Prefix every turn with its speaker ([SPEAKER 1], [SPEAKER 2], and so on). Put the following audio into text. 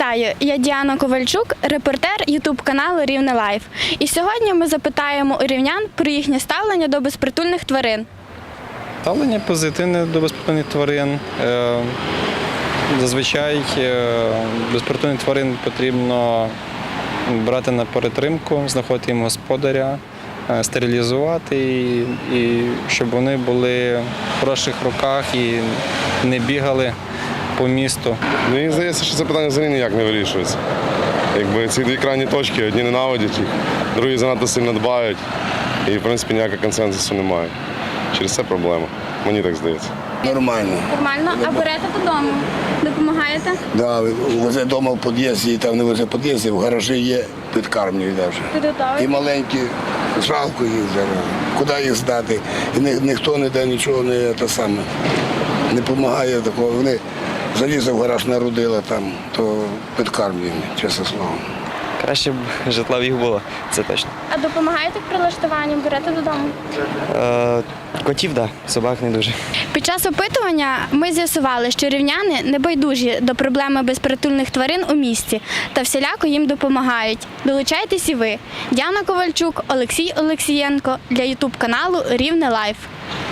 [SPEAKER 1] Вітаю! Я Діана Ковальчук, репортер ютуб-каналу Рівне Лайф. І сьогодні ми запитаємо у рівнян про їхнє ставлення до безпритульних тварин.
[SPEAKER 2] Ставлення позитивне до безпритульних тварин. Зазвичай безпритульних тварин потрібно брати на перетримку, знаходити їм господаря, стерилізувати, і щоб вони були в хороших руках і не бігали по місту.
[SPEAKER 3] Мені здається, що це питання взагалі ніяк не вирішується. Якби ці дві крайні точки, одні ненавидять їх, другі занадто сильно дбають, і в принципі ніякого консенсусу немає. Через це проблема. Мені так здається.
[SPEAKER 4] Нормально.
[SPEAKER 1] Нормально. А берете додому? Допомагаєте?
[SPEAKER 4] Да, везе вдома в під'їзді, там не везе в під'їзді, в гаражі є, підкармлюють вже.
[SPEAKER 1] Підготові?
[SPEAKER 4] І маленькі, жалко їх зараз. Куди їх здати? І ніхто не дає нічого, не допомагає такого. Вони залізли в гараж, народили там, то підкармлюємо, чесне слово.
[SPEAKER 5] Краще б житла в їх було, це точно.
[SPEAKER 1] А допомагаєте в прилаштуванні? Берете додому?
[SPEAKER 5] Котів, так, собак не дуже.
[SPEAKER 1] Під час опитування ми з'ясували, що рівняни не байдужі до проблеми безпритульних тварин у місті та всіляко їм допомагають. Долучайтесь і ви. Діана Ковальчук, Олексій Олексієнко для ютуб-каналу Рівне Лайф.